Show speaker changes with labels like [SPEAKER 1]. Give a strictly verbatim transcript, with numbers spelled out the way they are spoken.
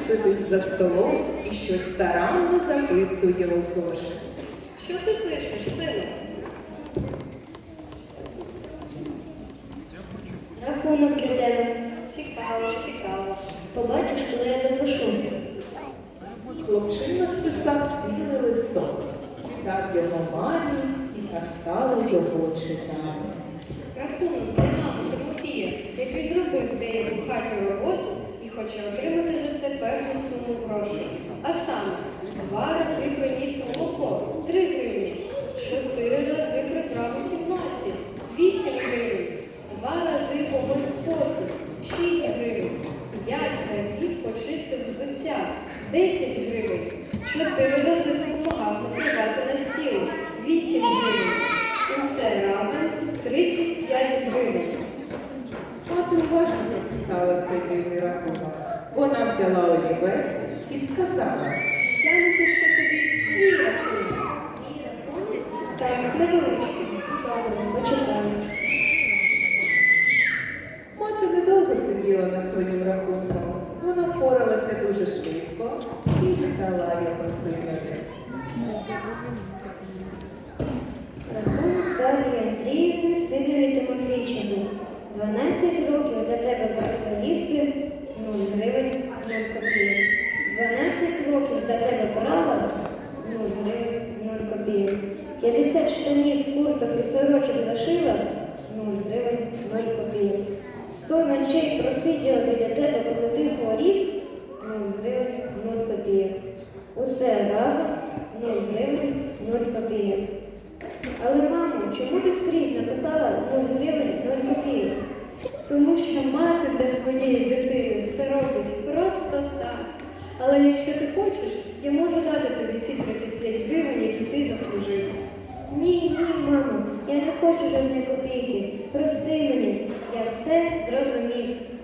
[SPEAKER 1] сидить за столом і щось старанно записує у зошит.
[SPEAKER 2] Що ти пишеш, сину?
[SPEAKER 3] Рахунок для тебе.
[SPEAKER 2] Цікаво, цікаво.
[SPEAKER 3] Побачиш, коли я допишу.
[SPEAKER 1] Хлопчина списав цілий листок, дав його мамі, і та стала його читати.
[SPEAKER 2] Рахунок для мами Тимофія, який зробив деяку хатню роботу і хоче отримати за це певну суму грошей. А саме, два рази приніс молоко – три гривні, чотири рази прибрав у кімнаті – вісім гривень, два рази помив посуд – шість гривень, п'ять разів почистив взуття – десять гривень, чотири рази допомагав накривати на стіл – вісім гривень. Усе разом тридцять п'ять гривень.
[SPEAKER 1] Мати уважно зацікала цей дивний рахунок. Вона взяла олівець і сказала:
[SPEAKER 2] Я напишу тобі свій рахунок. Так, невеличкий.
[SPEAKER 3] Добре, почитаю.
[SPEAKER 1] мати недовго сиділа над своїм рахунком. Вона впоралася дуже швидко і віддала його синові.
[SPEAKER 3] Рахунок Дар'ї Андріївни Сидорі Тимофійчині. дванадцять років для тебе варто їсти нуль гривень нуль копійок. дванадцять років для тебе права нуль гривень нуль копійок. п'ятдесят штанів, курток і сорочок зашила нуль гривень нуль копійок. сто ночей просиділа біля тебе, коли ти хворів нуль гривень нуль копійок. Усе разом нуль гривень нуль копійок. Але, мамо, чому ти скрізь написала нуль гривень нуль копійок?
[SPEAKER 2] Тому що мати для своєї дитини все робить просто так. Але якщо ти хочеш, я можу дати тобі ці тридцять п'ять гривень, які ти заслужив.
[SPEAKER 3] Ні, ні, мамо, я не хочу жодної копійки. Прости мені, я все зрозумів.